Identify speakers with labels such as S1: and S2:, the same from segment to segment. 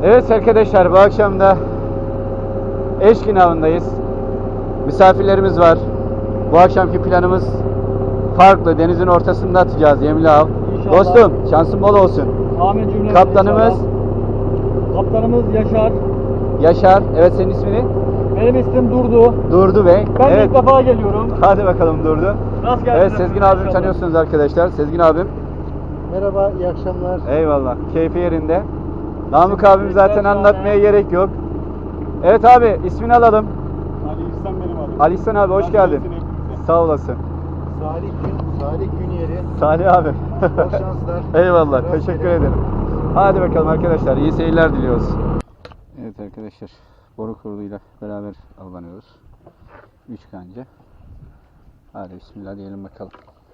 S1: Evet arkadaşlar, bu akşam da Eşkin avındayız. Misafirlerimiz var. Bu akşamki planımız farklı. Denizin ortasında atacağız yemli av.
S2: İnşallah.
S1: Dostum, şansın bol olsun.
S2: Amin cümlemize.
S1: Kaptanımız
S2: Kaptanımız Yaşar.
S1: Yaşar. Evet, senin ismini?
S2: Benim ismim Durdu.
S1: Durdu Bey.
S2: Ben
S1: Evet.
S2: ilk defa geliyorum.
S1: Hadi bakalım Durdu.
S2: Rast gelsin.
S1: Evet, Sezgin abimi tanıyorsunuz arkadaşlar. Sezgin abim.
S3: Merhaba, iyi akşamlar.
S1: Eyvallah. Keyfi yerinde. Namık abim zaten anlatmaya gerek yok. Evet abi, ismini alalım.
S3: Ali İhsan benim adım.
S1: Ali İhsan abi, hoş geldin. Sağ olasın.
S3: Salih Günyeri.
S1: Salih abi.
S3: Bol şanslar.
S1: Eyvallah.
S3: Rast
S1: Teşekkür
S3: gelin.
S1: ederim. Hadi bakalım arkadaşlar. İyi seyirler diliyoruz. Evet arkadaşlar. Boru kuruluyla beraber avlanıyoruz. 3 kanca. Hadi bismillah diyelim bakalım.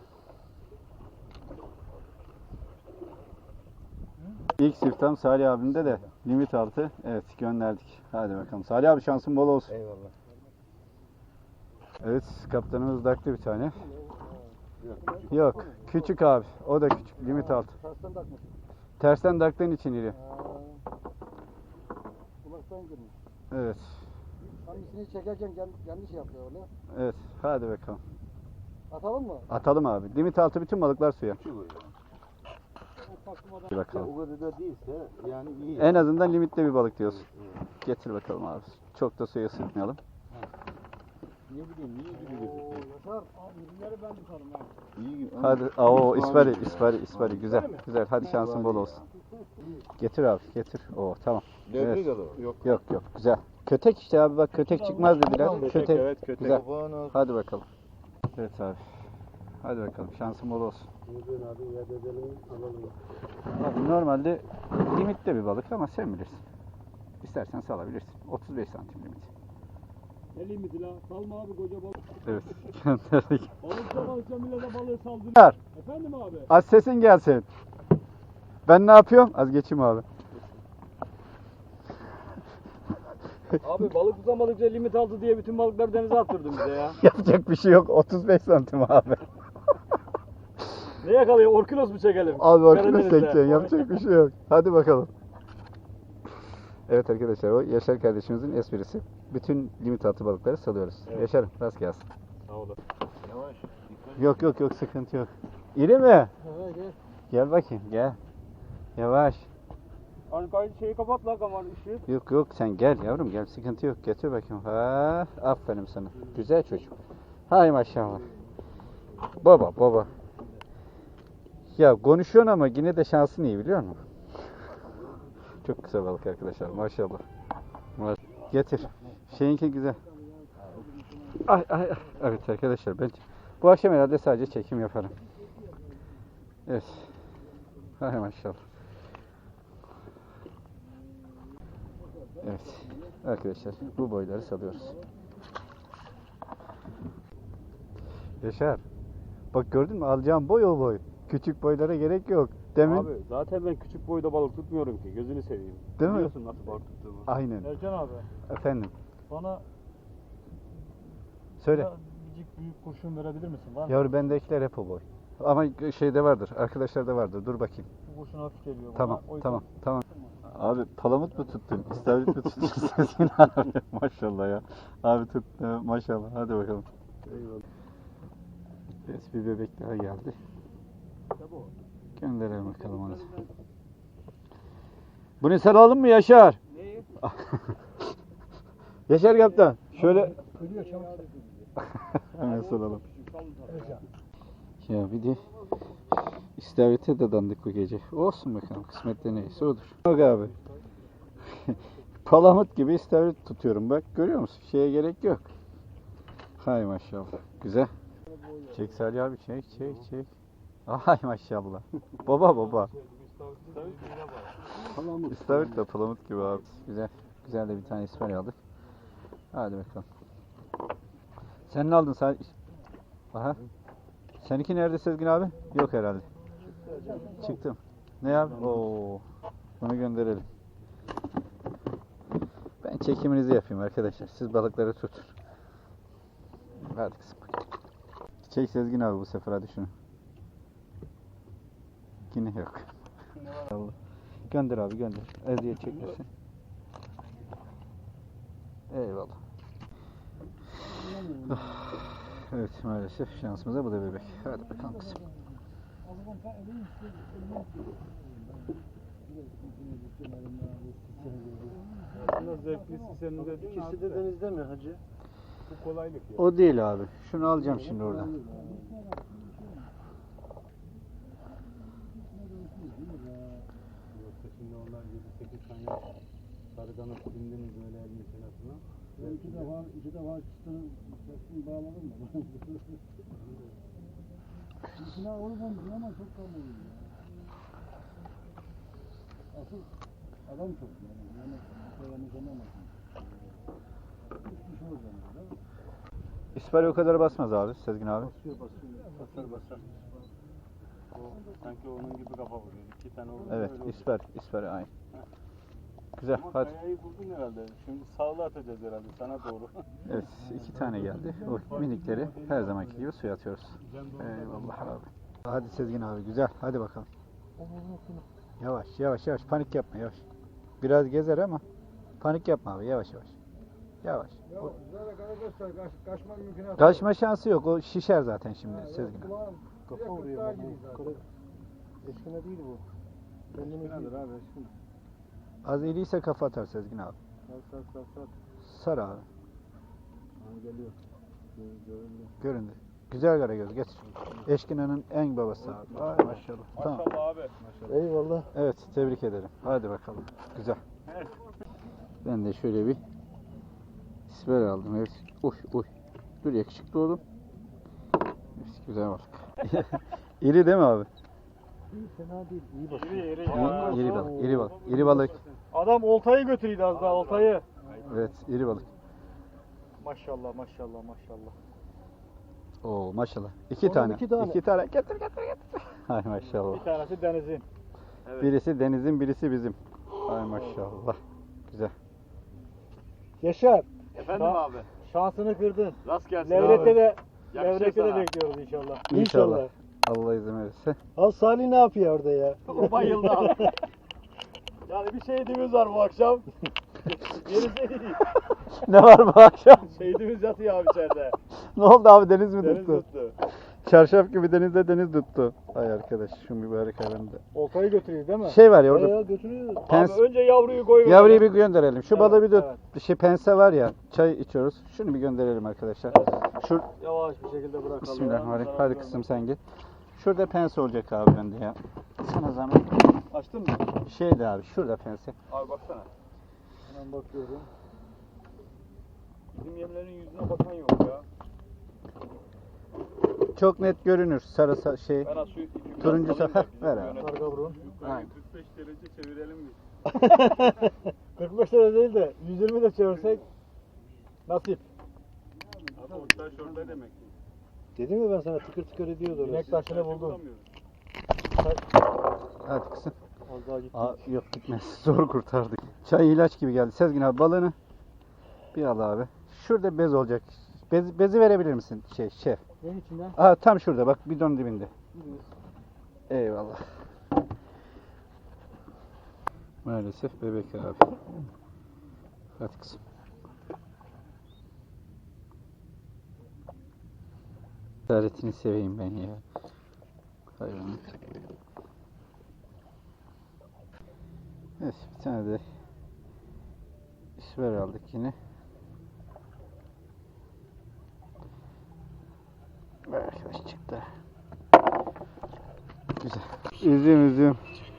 S1: İlk siftahım Salih abimde de limit altı. Evet, gönderdik. Hadi bakalım. Salih abi, şansın bol olsun.
S3: Eyvallah.
S1: Evet, kaptanımız daktı bir tane. Yok, küçük abi. O da küçük. Limit altı.
S3: Tersten takmış.
S1: Tersten daktığın için iri.
S3: Kulaktan girmiş.
S1: Evet.
S3: Hangisini çekerken yanlış yapıyor öyle.
S1: Evet. Hadi bakalım.
S3: Atalım mı?
S1: Atalım abi. Limit altı bütün balıklar suya. Bir bakalım.
S3: O kadar da değilse yani iyi.
S1: En azından limitli bir balık diyorsun. Getir bakalım abi. Çok da suya sıkmayalım.
S3: Ne bileyim niye gibi gözüküyor? Yaşar abi ürünleri ben tutarım ha. İyi.
S1: Hadi. Oo, ispari. Güzel. Güzel. Hadi şansın bol olsun. Getir abi. Getir. Oo, tamam.
S3: Devrik
S1: Evet.
S3: adı. Yok.
S1: Yok. Güzel. Kötek işte abi, bak kötek çıkmaz dediler. Kötek.
S3: Evet kötek.
S1: Güzel. Hadi bakalım. Evet abi. Hadi bakalım. Şansın bol olsun. Abi normalde limitli bir balık ama sen bilirsin. İstersen salabilirsin. 35 santim limit.
S2: Ne limiti la? Salma abi koca balık.
S1: Evet. Gönderdik.
S2: Balıkça millete balığı saldırıyor.
S1: Ver.
S2: Efendim abi?
S1: Az sesin gelsin. Ben ne yapıyorum? Az geçeyim abi.
S2: Abi balık tutamadıkça limit aldı diye bütün balıkları denize attırdın bize ya.
S1: Yapacak bir şey yok. 35 santim abi.
S2: Ne yakalıyor? Orkinos mu çekelim?
S1: Abi orkinos
S2: Karadeniz'de.
S1: çekeceksin. Yapacak bir şey yok. Hadi bakalım. Evet arkadaşlar, o Yaşar kardeşimizin esprisi. Bütün limit altı balıkları salıyoruz.
S2: Evet.
S1: Yaşar'ım rast gelsin.
S2: Sağ olun.
S3: Yavaş.
S1: Yok sıkıntı yok. İri mi?
S3: Evet gel.
S1: Gel bakayım gel. Yavaş.
S2: Hani şeyi kapat la kamar ışığı.
S1: Yok sen gel yavrum, gel, sıkıntı yok. Getir bakayım. Ha, aferin sana. Güzel çocuk. Hay maşallah. Baba. Ya konuşuyorsun ama yine de şansın iyi, biliyor musun? Çok kısa balık arkadaşlar, maşallah. Getir. Şeyinki güzel. Ay. Evet arkadaşlar, ben bu akşam herhalde sadece çekim yaparım. Evet. Hay maşallah. Evet. Arkadaşlar, bu boyları salıyoruz. Yaşar. Bak gördün mü? Alacağım boy o boy. Küçük boylara gerek yok. Demin.
S2: Abi zaten ben küçük boyda balık tutmuyorum ki. Gözünü seveyim.
S1: Değil mi?
S2: Biliyorsun nasıl balık tuttuğumu.
S1: Aynen.
S3: Ercan abi
S1: Efendim.
S3: bana
S1: Söyle.
S3: biricik büyük kurşun verebilir misin? Var mı?
S1: Yavru, bendekiler hep o boy. Ama şeyde vardır. Arkadaşlarda vardır. Dur bakayım.
S3: Bu kurşun hafif geliyor
S1: Tamam.
S3: bana. O yüzden-
S1: Tamam. Abi palamut mu tuttun? İstavrit mi tuttun? Sezgin abi. Maşallah ya. Abi tut. Maşallah. Hadi bakalım.
S3: Eyvallah.
S1: Evet, bir bebek daha geldi. Gönderelim bakalım onu. Bunu saralım mı Yaşar?
S2: Neyi?
S1: Yaşar kaptan. Şöyle
S3: Ölüyor çabuk.
S1: hemen saralım. Ya bir de istavrite dadandık bu gece. Olsun bakalım, kısmette neyse odur. Bak abi. Palamut gibi istavrit tutuyorum, bak görüyor musun? Şeye gerek yok. Hay maşallah. Güzel. Çek Salih abi, çek. Ay maşallah. Baba. İstavrit de palamut gibi abi. Güzel de bir tane isper aldık. Hadi bakalım. Sen ne aldın Salih? Aha. Seninki nerede Sezgin abi? Yok herhalde. Çıktım. Ne abi? Oo. Bunu gönderelim. Ben çekiminizi yapayım arkadaşlar. Siz balıkları tutun. Hadi kızım. Çek Sezgin abi bu sefer, hadi şunu. Yine yok. Gönder abi gönder. Eziyet çekmesin. Eyvallah. Evet maalesef şansımıza bu da bebek. Hadi bakalım kızım.
S3: Aslında zevklisi senin de
S4: İkisi de denizde mi hacı?
S3: bu kolaylık ya.
S1: O değil abi. Şunu alacağım şimdi oradan.
S3: Yoksa şimdi onlar 7-8 tane sarı kanat bindiniz öyle elin senasına.
S4: Ben iki defa çıtını bağladım da. İçine olmamışsın ama çok kalmadı. Asıl adam çok yani. Yani anlamasın. Hiçbir şey olacağım değil mi?
S1: İspari o kadar basmaz abi Sezgin abi.
S3: Basar. O sanki onun gibi kafa vuruyor. 2 tane oldu.
S1: Evet ispari aynı. Güzel
S3: Ama
S1: hadi.
S3: kayayı buldun herhalde. Şimdi sağlı atacağız herhalde sana doğru.
S1: Evet 2 tane geldi. O minikleri her zamanki gibi suya atıyoruz. Eyvallah abi. Hadi Sezgin abi güzel. Hadi bakalım. Yavaş panik yapma yavaş. Biraz gezer ama panik yapma abi yavaş. Yavaş.
S4: Kaçma mümkünatı.
S1: Kaçma şansı yok. O şişer zaten şimdi Sezgin abi.
S4: Kafa vuruyor bu. Eşkine değil bu. Kendine
S3: Nedir abi şimdi?
S1: Az iriyse kafa atar Sezgin abi.
S3: Sar.
S1: Sar abi.
S3: Ha, geliyor. Göründü.
S1: Göründü. Güzel karagöz getir. Eşkina'nın en babası abi. Ay maşallah. Tamam.
S3: Maşallah abi.
S4: Eyvallah.
S1: Evet tebrik ederim. Hadi bakalım. Güzel. Ben de şöyle bir isper aldım. Evet. Uy. Dur yakışıklı oğlum. Evet, güzel balık. İri değil mi abi?
S4: Fena değil. İyi bak.
S1: İri balık.
S2: Adam oltayı götürüydü az daha oltayı.
S1: Evet iri balık.
S2: Maşallah.
S1: Oo maşallah. İki
S4: Oğlum,
S1: tane.
S4: iki tane.
S1: İki tane. Getir. Ay maşallah.
S2: Bir tanesi denizin.
S1: Birisi denizin birisi bizim. Ay maşallah. Güzel.
S4: Yaşar.
S3: Efendim abi.
S2: Şansını kırdın.
S3: Rast gelsin
S2: Levrette de
S3: Yakışır
S2: Levrette de
S3: sana.
S2: bekliyoruz inşallah.
S1: İnşallah. Allah izin verirse.
S4: Al Salih ne yapıyor orada ya?
S3: O bayıldı abi. Yani bir şehidimiz var bu akşam. Gerisi değil.
S1: Ne var bu akşam?
S3: Şehidimiz yatıyor abi içeride.
S1: Ne oldu abi deniz mi
S3: Deniz
S1: tuttu?
S3: tuttu.
S1: Çarşaf gibi denizde deniz tuttu. Ay arkadaş şu mübarek hayvanı da.
S2: Oltayı götürüyor değil mi?
S1: Şey var ya orada
S4: Ya götürüyor.
S1: pens,
S2: Abi önce yavruyu koy.
S1: yavruyu bir gönderelim. Şu balığı bir de
S2: evet.
S1: şey pense var ya çay içiyoruz. Şunu bir gönderelim arkadaşlar. Şu
S2: Yavaş bir şekilde bırakalım.
S1: Bismillahirrahmanirrahim. Hadi kızım sen git. Şurada pense olacak abi bende ya. Sana zahmet.
S3: Açtın mı?
S1: Şeydi abi şurada pense.
S3: Abi baksana.
S2: Hemen bakıyorum.
S3: Bizim yemlerin yüzüne bakan yok ya.
S1: Çok net görünür sarı şey.
S3: Ben az su
S1: Turuncu
S3: salayım
S1: sefer
S3: da bizim
S1: ver abi.
S3: yönetim.
S2: Karga burun.
S3: Yukarı 45 derece çevirelim biz.
S2: 45 lira değil de 120 de çevirsek nasip.
S3: Abi o taş orada demek ki.
S4: Dedim ya ben sana tıkır tıkır ediyordu orası.
S2: İnek taşını buldum.
S3: Bulamıyoruz.
S1: Hadi kızım.
S2: Az daha gitti.
S1: Aa, yok gitmez. Zor kurtardık. Çay ilaç gibi geldi. Sezgin abi balığını bir al abi. Şurada bez olacak. Bezi verebilir misin şef?
S2: Neyin içinden?
S1: Aa tam şurada bak bidon dibinde. Eyvallah. Maalesef bebek abi. Hadi kızım. Cesaretini seveyim ben ya. Hayvanı. Evet bir tane de isver aldık yine. Arkadaş çıktı. Güzel. Üzüm.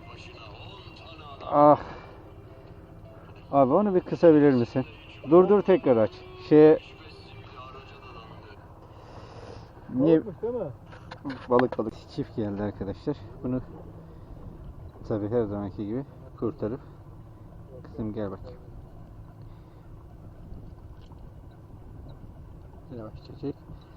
S1: Ah. Abi onu bir kısabilir misin? Dur tekrar aç. Niye
S2: Balıkmış değil mi?
S1: balık çift geldi arkadaşlar. Bunu tabii her zamanki gibi kurtarıp kızım gel bak. Yavaş çek.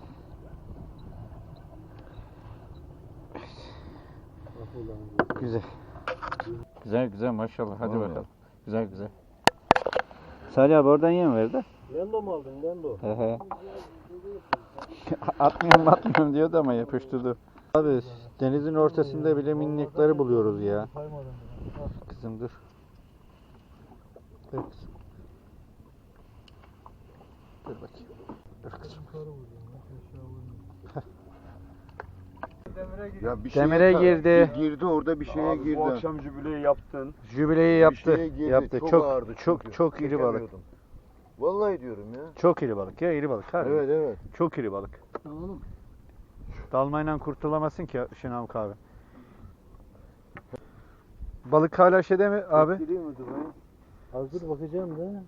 S1: Güzel maşallah. Hadi
S4: Vallahi.
S1: bakalım. Güzel. Salih abi oradan yem verdi.
S4: Lendo mu aldın Lendo?
S1: He. Atmıyorum diyordu ama yapıştırdı. Abi denizin ortasında bile minnekleri buluyoruz ya.
S2: Saymadım.
S1: kızım dur. Dur kızım. Dur bakayım. Dur kızım.
S5: Ya bir
S1: Demire girdi.
S5: Girdi orada bir şeye
S3: Abi
S5: girdi.
S3: bu akşam jübileyi yaptın.
S1: Jübileyi
S5: Bir
S1: yaptı.
S5: şeye girdi.
S1: Yaptı.
S5: Çok
S1: Çok
S5: ağırdı
S1: çok
S5: çünkü.
S1: çok iri balık.
S5: Çekemiyordum. Vallahi diyorum ya.
S1: Çok iri balık ya, iri balık. Harbi.
S5: Evet evet.
S1: Çok iri balık.
S4: Oğlum.
S1: Dalmayla kurtulamazsın ki Şenavuk abi. Balık hala şeyde mi abi?
S5: Giriyor mu Dubai?
S4: Hazır bakacağım da.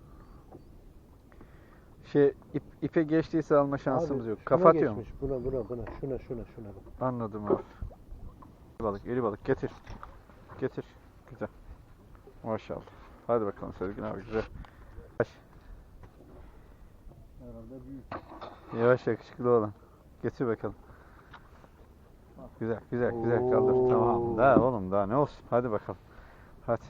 S1: İpe geçtiyse alma şansımız
S4: Abi,
S1: yok.
S4: şuna
S1: Kafa atıyor mu?
S4: geçmiş. Buna. Şuna bak.
S1: Anladım abi. İri balık getir. Getir. Güzel. Maşallah. Hadi bakalım Sezgin abi güzel.
S4: Herhalde büyük.
S1: Yavaş yakışıklı olan. Getir bakalım. Güzel kaldır.
S4: Oo.
S1: Tamam. Daha oğlum daha ne olsun. Hadi bakalım. Hadi.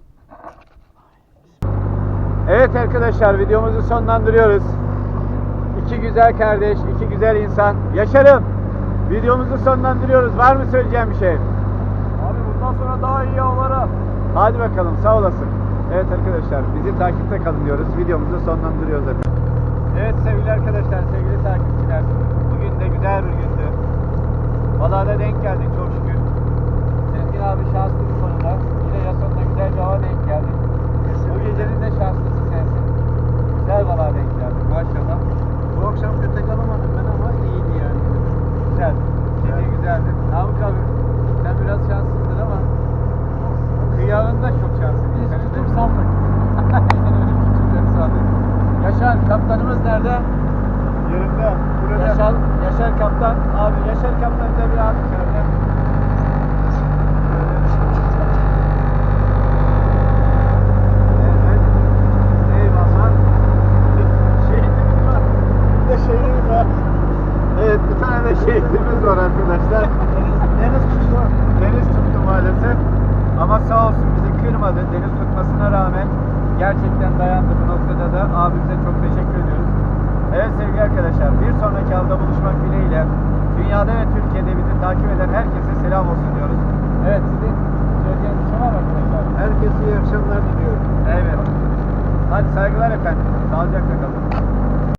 S1: Evet arkadaşlar videomuzu sonlandırıyoruz. İki güzel kardeş, iki güzel insan. Yaşarım. Videomuzu sonlandırıyoruz. Var mı söyleyeceğim bir şey?
S2: Abi bundan sonra daha iyi avlara.
S1: Hadi bakalım sağ olasın. Evet arkadaşlar bizi takipte kalın diyoruz. Videomuzu sonlandırıyoruz efendim. Evet sevgili arkadaşlar, sevgili takipçiler. Bugün de güzel bir gündü. Balığa da denk geldik çok şükür. Sezgin abi şanslı bir konuda. Yine Yason'da güzel bir hava denk geldik. Bu gecenin de şanslısı sensin. Güzel balığa denk geldik maşallah.
S4: Bu akşam kötek alamadım ben ama iyiydi yani.
S1: Güzel. Kemiği güzeldi. Namık abi sen biraz şanssızdın ama kıyağında çok şanslısın.
S4: Biz
S1: Senin de-
S4: tutum sandık.
S1: Aynen öyle tutumları sağladık. Yaşar kaptanımız nerede?
S2: Yerinde. Burada.
S1: Yaşar kaptan. Abi Yaşar kaptan da bir abi şöyle. Evet. Eyvallah. Şehitimiz var.
S2: Bir de şehrimiz var.
S1: Evet bir tane de şehitimiz var arkadaşlar.
S2: Deniz tuttu.
S1: Deniz tuttu maalesef. Ama sağ olsun bizi kırmadı. Deniz tutmasına rağmen gerçekten dayandı bu noktada da. Abimize çok teşekkür ediyoruz. Evet sevgili arkadaşlar bir sonraki avda buluşmak dileğiyle dünyada ve Türkiye'de bizi takip eden herkese selam olsun diyoruz. Evet sizin söyleyeceğiniz bir şey var mı arkadaşlar?
S4: Herkese iyi akşamlar diliyorum.
S1: Evet. Hadi saygılar efendim. Sağlıcakla kalın.